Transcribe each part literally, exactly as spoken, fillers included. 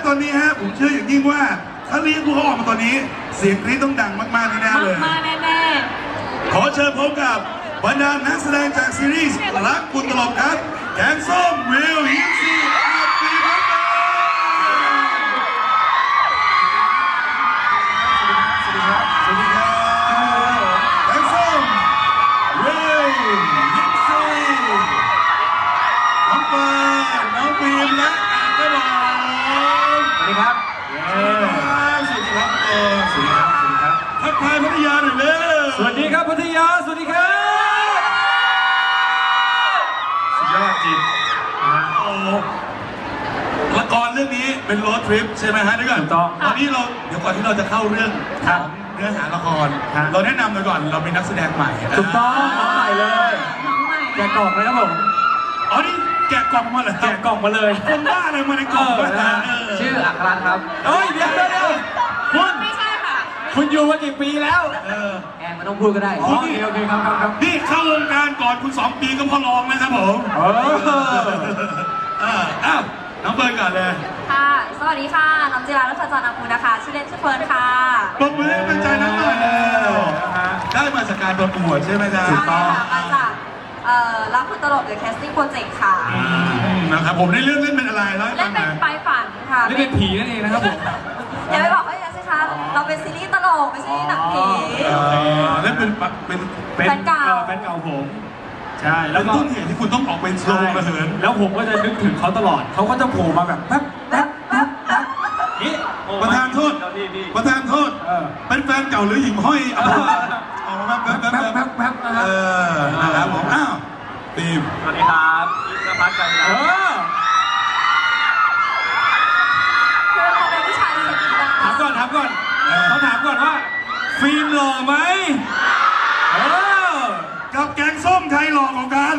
ตอนนี้ฮะผมเชื่ออย่างยิ่งว่าถ้าเรียกพวกเขาออกมาตอนนี้เสียงกรี๊ดต้องดังมากๆแน่ๆเลยมากๆแน่ๆขอเชิญพบกับบรรดานักแสดงจากซีรีส์รักคุณตลบครับแกงส้มวิวยิปซีอาร์ตีบัตเตอร์สวัสดีครับสวัสดีครับแกงส้มวิวยิปซีน้องเฟิร์นน้องฟิล์มและแอนก็บอกสวัสดีครับสวัสดีครับสวัสดีครับสวัสดีครับทักทายพัทยาหน่อยเร็วสวัสดีครับพัทยาสวัสดีครับสุดยอดจริงโอ้ละครเรื่องนี้เป็นโรดทริปใช่ไหมฮะนี่ก่อนตอนนี้เราเดี๋ยวก่อนที่เราจะเข้าเรื่องของเนื้อหาละครเราแนะนำหน่อยก่อนเราเป็นนักแสดงใหม่ถูกต้องน้องใหม่เลยน้องใหม่แกะกล่องเลยครับผมอ๋อนี่แกะกล่องมาเลยแกะกล่องมาเลยคนบ้าอะไรมาในกล่องชื่ออัครครับเฮ้ยเดี๋ยวเดี๋ยวคุณไม่ใช่ค่ะคุณอยู่มากี่ปีแล้วแอนไม่ต้องพูดก็ได้โอเคโอเคครับครับนี่เข้าวงการก่อนคุณสองปีก็พอลองนะครับผมเอออ้าวน้องเบิร์นก่อนเลยค่ะสวัสดีค่ะน้องจิราลักษณ์จรนาภูนะคะชื่อเล่นชื่อเฟิร์นค่ะปรบมือให้เป็นใจนักหน่อยแล้วได้มาจากการประกวดใช่ไหมจ๊ะใช่ค่ะมาจากเอ่อรักคุณตลบหรือ casting project ค่ะนะครับผมในเรื่องเล่นเป็นอะไรเล่าให้เล่ฟังนหน่อยเป็นปลายฝันค่ะเล่นเป็นผีนั่นเองนะครับผมอย่าไปบอกเขาอย่างนั้นสิคะเราเป็นซีรีส์ตลกไม่ใช่หนังผีเล่นเป็นเป็นแฟนเก่าแฟนเก่าผมใช่แล้วต้นเหตุที่คุณต้องออกเป็นโชว์มาเหินแล้วผมก็จะนึกถึงเขาตลอดเขาก็จะโผล่มาแบบแป๊บแป๊บแป๊บแป๊บนี่ประธานโทษประธานโทษเป็นแฟนเก่าหรือหญิงห้อยออกมาแป๊บแป๊บแป๊บแป๊บแป๊บเออนะครับผมอ้าวทีมสวัสดีครับอิสระพัฒน์กันเออคือเราเป็นผู้ชายเสียงดังถามก่อนถามก่อนเขาถามก่อนว่าฟิล์มหล่อไหมเออกับแกงส้มใครหล่อกว่ากัน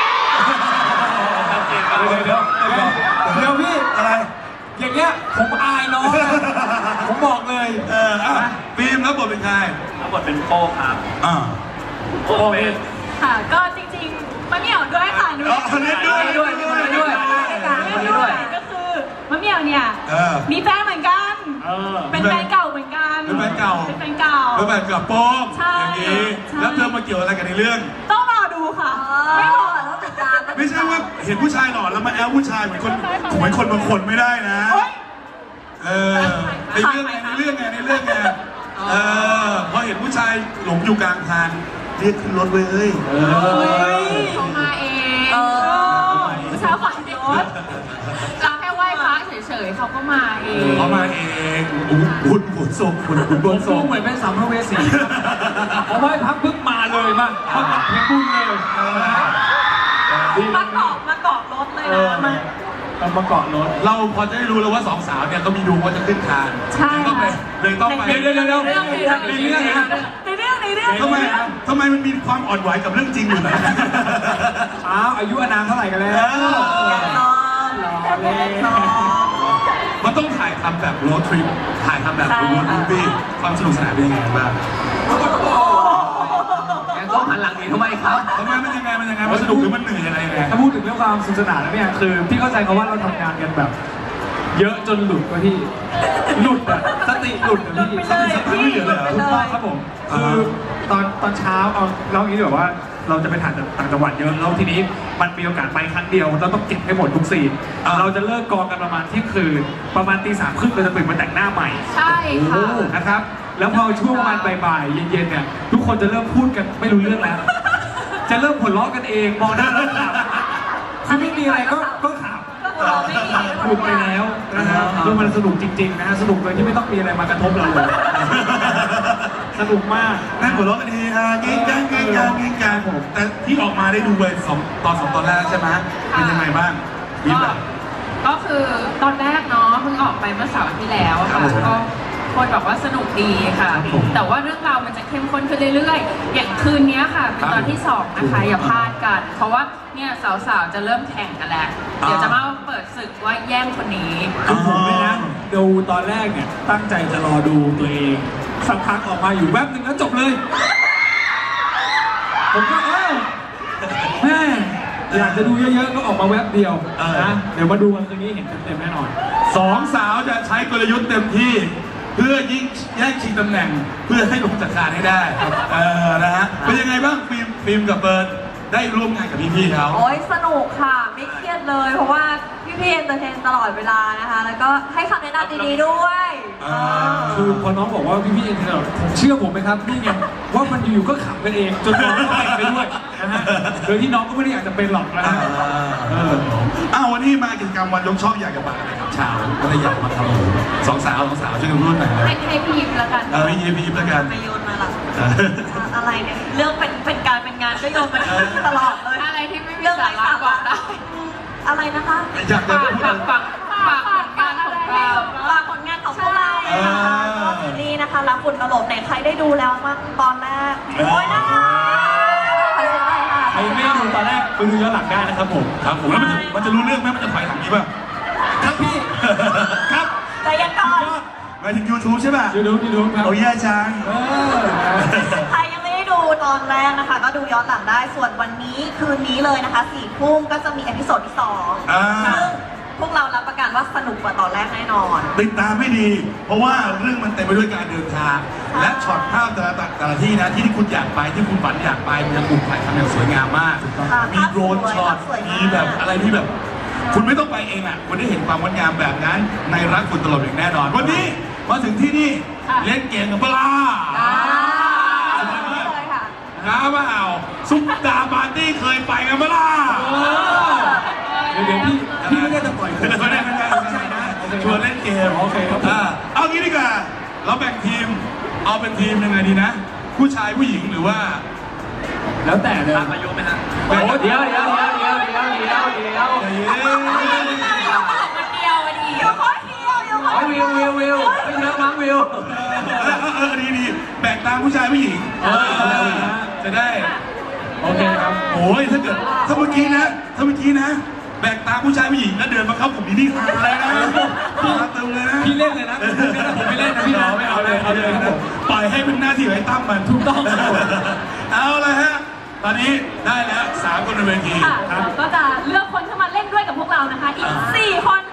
เดี๋ยวเดี๋ยวเดี๋ยวพี่อะไรอย่างเงี้ยผมอายน้องผมบอกเลยเอออ่ะฟิล์มแล้วบทเป็นใครแล้วบทเป็นโป้ครับอ่าโป้เป็นค่ะก็จริงๆมะเหมี่ยวด้วยค่ะด้วยด้วยด้วยด้วยด้วยด้วยก็คือมะเหมี่ยวเนี่ยมีแฟนเหมือนกันเป็นแฟนเก่าเหมือนกันเป็นแฟนเก่าเป็นแฟนเก่าเป็นแฟนกับโป้อย่างนี้แล้วเธอมาเกี่ยวอะไรกันในเรื่องต้องรอดูค่ะไม่รอต้องติดตามไม่ใช่ว่าเห็นผู้ชายหล่อแล้วมาแอลผู้ชายเหมือนคนเหมือนคนบางคนไม่ได้นะเออในเรื่องไงในเรื่องไงในเรื่องไงเออพอเห็นผู้ชายหลงอยู่กลางทางเรียกขึ้นรถเลยเฮ้ยเขามาเองผู้ชายฝ่ายรถเราแค่ไหว้พระเฉยๆเขาก็มาเองเขามาเองอุ้นหุ่นโศกหุ่นหุ่นบนโศกเหมือนเป็นสัมภเวสีเขาไหว้พระพึ่งมาเลยมาเขาตัดเพลงบุญเลยมาเกาะมาเกาะรถเลยนะมามาเกาะรถเราพอจะได้รู้แล้วว่าสองสาวเนี่ยก็มีดวงว่าจะขึ้นคานใช่เลยต้องไปเดี๋ยวเดี๋ยวเดี๋ยวในเรื่องในเรื่องในเรื่องในเรื่องทำไมทำไมมันมีความอ่อนไหวกับเรื่องจริงอยู่นะอ้าวอายุอานามเท่าไหร่กันแล้วมันต้องถ่ายทำแบบโรดทริปถ่ายทำแบบโรดมูฟวี่ความสนุกสนานเป็นยังไงบ้างแกก็หันหลังหนีทำไมครับทำไมมันยังไงมันยังไงมันสนุกหรือมันเหนื่อยอะไรไงถ้าพูดถึงเรื่องความสนุกสนานแล้วเนี่ยคือพี่เข้าใจเขาว่าเราทำงานกันแบบเยอะจนหลุดก็พี่หลุดอะสติหลุดอะพี่สติสติไม่เหลือเลยถูกต้องครับผมคือตอนตอนเช้าเอาเราอย่างนี้แบบว่าเราจะไปถ่ายต่างจังหวัดเยอะแล้วทีนี้มันมีโอกาสไปครั้งเดียวเราต้องเก็บให้หมดทุกซีนเราจะเลิกกองกันประมาณเที่ยงคืนประมาณตีสามครึ่งเราจะตื่นมาแต่งหน้าใหม่ใช่ค่ะนะครับแล้วพอช่วงประมาณบ่ายๆเย็นๆเนี่ยทุกคนจะเริ่มพูดกันไม่รู้เรื่องแล้วจะเริ่มหัวเราะกันเองมองหน้าแล้วขำคือไม่มีอะไรก็ก็ขำหลุดไปแล้วนะฮะคือมันสนุกจริงๆนะฮะสนุกโดยที่ไม่ต้องมีอะไรมากระทบเราเลยสนุกมากนั่งหัวเราะกันเฮฮาเก่งจังเก่งจังเก่งจังแต่ที่ออกมาได้ดูไปสองตอนสองตอนแรกใช่ไหมเป็นยังไงบ้างก็คือตอนแรกเนาะเพิ่งออกไปเมื่อเสาร์ที่แล้วค่ะก็คนบอกว่าสนุกดีค่ะแต่ว่าเรื่องราวมันจะเข้มข้นขึ้นเรื่อยๆอย่างคืนนี้ค่ะเป็นตอนที่สองนะคะอย่าพลาดกันเพราะว่าเนี่ยสาวๆจะเริ่มแข่งกันแล้วเดี๋ยวจะมาเปิดศึกว่าแย่งคนนี้คือผมเลยนะดูตอนแรกเนี่ยตั้งใจจะรอดูตัวเองสักพักออกมาอยู่แวบหนึ่งแล้วจบเลยผมก็เอ้าแม่อยากจะดูเยอะๆก็ออกมาแวบเดียวเออนะเดี๋ยวมาดูกันคืนนี้เห็นเต็มๆแน่นอนสองสาวจะใช้กลยุทธ์เต็มที่ เพื่อยิ่งแย่งชิงตำแหน่ง เพื่อให้ลงจากคานให้ได้เออนะฮะเป็นยังไงบ้างฟิล์มฟิล์มกับเบิร์ดได้ร่วมงานกับพี่ๆเขาโอ้ยสนุกค่ะ ไม่เครียดเลย เพราะว่าพี่ๆเอนเตอร์เทนตลอดเวลานะคะ แล้วก็ให้คำแนะนำดีๆด้วยอ่าคือพอน้องบอกว่าพี่ๆเอ็นเทอร์ผมเชื่อผมไหมครับนี่ไงว่ามันอยู่ๆก็ขำกันเองจนน้องก็เป็นไปด้วยนะฮะโดยที่น้องก็ไม่ได้อยากจะเป็นหรอกนะอ่าฮะเอออ้าววันนี้มากิจกรรมวันยกช่องอยากจะมาอะไรครับชาวก็เลยอยากมาทำสองสาวสองสาวช่วยกันพูดหน่อยนะให้ให้พี่ยิ้มแล้วกันเออพี่ยีพี่ยิบแล้วกันมาโยนมาหลังเอออะไรเนี่ย เรื่องเป็นเป็นการเป็นงานก็โยนมาตลอดเลยอะไรที่ไม่มีเรื่องสาไร้ระสาบอระกได้อืมอะไรนะคะอยากจะฝากพูดฝากฝากฝากผลงานของเราฝากผลงานของพวกเรานะคะก็ซีรีส์นะคะรักฝุ่นตลบไหนใครได้ดูแล้วมั้งตอนแรกโอ้ยนะคะขอเสียงหน่อยค่ะใครไม่ได้ดูตอนแรกไปดูย้อนหลังได้นะครับผมครับผมแล้วมันจะมันจะรู้เรื่องไหมมันจะถอยหลังนี้ป่ะครับพี่ครับใจเย็นก่อนหมายถึง YouTube ใช่ป่ะยูทูบยูทูบครับโอ้ยแย่จังเออใครยังไม่ได้ดูตอนแรกนะคะ ก็ดูย้อนหลังได้ ส่วนวันนี้คืนนี้เลยนะคะสี่ทุ่มก็จะมีเอพิโซดที่สองอ่าซึ่งพวกเรารับประกันว่าสนุกกว่าตอนแรกแน่นอนติดตามให้ดี เพราะว่าเรื่องมันเต็มไปด้วยการเดินทาง และช็อตภาพแต่ละแต่ละที่นะที่ที่คุณอยากไปที่คุณฝันอยากไปมันจะถูกถ่ายทำอย่างสวยงามมากค่ะมีโดรนช็อตภาพสวยมากมีแบบอะไรที่แบบ คุณไม่ต้องไปเองอ่ะคุณได้เห็นความงดงามแบบนั้น ในรักคุณตลอดอย่างแน่นอน วันนี้มาถึงที่นี่เล่นเกมกับปลาอ่าเลยค่ะน้าเปล่าซุปตาปาร์ตี้เคยไปกันเปล่าเดี๋ยวเดี๋ยวพี่พี่ไม่ได้จะปล่อยผมไม่ได้ไม่ได้ไม่ได้นะชวนเล่นเกมโอเคครับผมอ่าเอางี้ดีกว่า เราแบ่งทีม เอาเป็นทีมยังไงดีนะ ผู้ชายผู้หญิงหรือว่าแล้วแต่เลยอายุไหมฮะโอ้เดี๋ยวเดี๋ยวเดี๋ยวเดี๋ยวเดี๋ยวเดี๋ยวเดี๋ยวเดี๋ยวคนเดียววันนี้เดี๋ยวขอเดียวเดี๋ยวขอโอ้ยวิววิววิวไม่เยอะมั้งวิวเออเออเออดีดีแบ่งตามผู้ชายผู้หญิงเออจะได้โอเคครับโอ้ยถ้าเกิดถ้าเมื่อกี้นะ ถ้าเมื่อกี้นะ แบ่งตามผู้ชายผู้หญิงแล้วเดินมาเข้ากลุ่มนี้นี่ฮาเลยนะฮาเติมเลยนะพี่เล่นเลยนะผมไม่เล่นนะพี่นะไม่เอาเลยเอาเลยครับผมปล่อยให้เป็นหน้าที่ของไอ้ตั้มมันถูกต้องเอาเลยฮะ ตอนนี้ได้แล้วสามคนในเวทีค่ะเราก็จะเลือกคนเข้ามาเล่นด้วยกับพวกเรานะคะ อีก สี่ คน